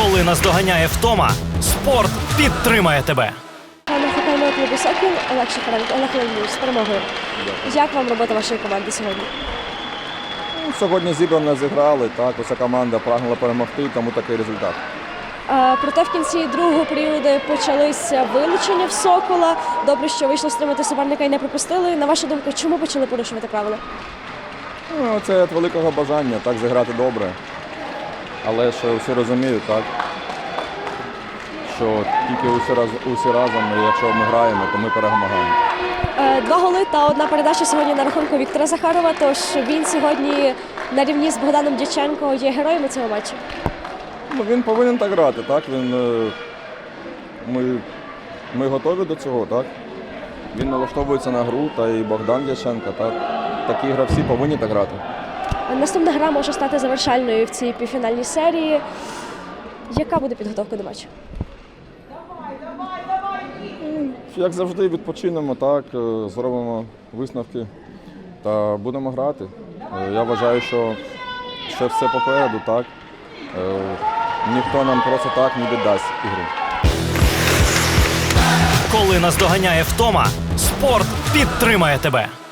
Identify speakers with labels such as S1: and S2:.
S1: Коли наздоганяє втома, спорт підтримає тебе.
S2: Пане хокейного клубу «Сокіл» Олег Шахаренко, Олег Леонідович, з перемогою. Як вам робота вашої команди сьогодні?
S3: Сьогодні зібрано зіграли, так, уся команда прагнула перемогти, тому такий результат.
S2: Проте в кінці другого періоду почалися вилучення в «Сокола». Добре, що вийшло стримати суперника і не пропустили. На вашу думку, чому почали порушувати правила?
S3: Це від великого бажання, так, зіграти добре. Але ж усі розуміють, так, що тільки усі разом, і якщо ми граємо, то ми перемагаємо.
S2: 2 голи та 1 передача сьогодні на рахунку Віктора Захарова, тож він сьогодні на рівні з Богданом Дяченко є героєм цього матчу.
S3: Він повинен так грати, так, ми готові до цього, так. Він налаштовується на гру, та і Богдан Дяченко, так. Такі гравці повинні так грати.
S2: Наступна гра може стати завершальною в цій півфінальній серії. Яка буде підготовка до матчу?
S3: Як завжди, відпочинемо, так, зробимо висновки та будемо грати. Я вважаю, що ще все попереду, так. Ніхто нам просто так не віддасть ігру.
S1: Коли наздоганяє втома, спорт підтримає тебе.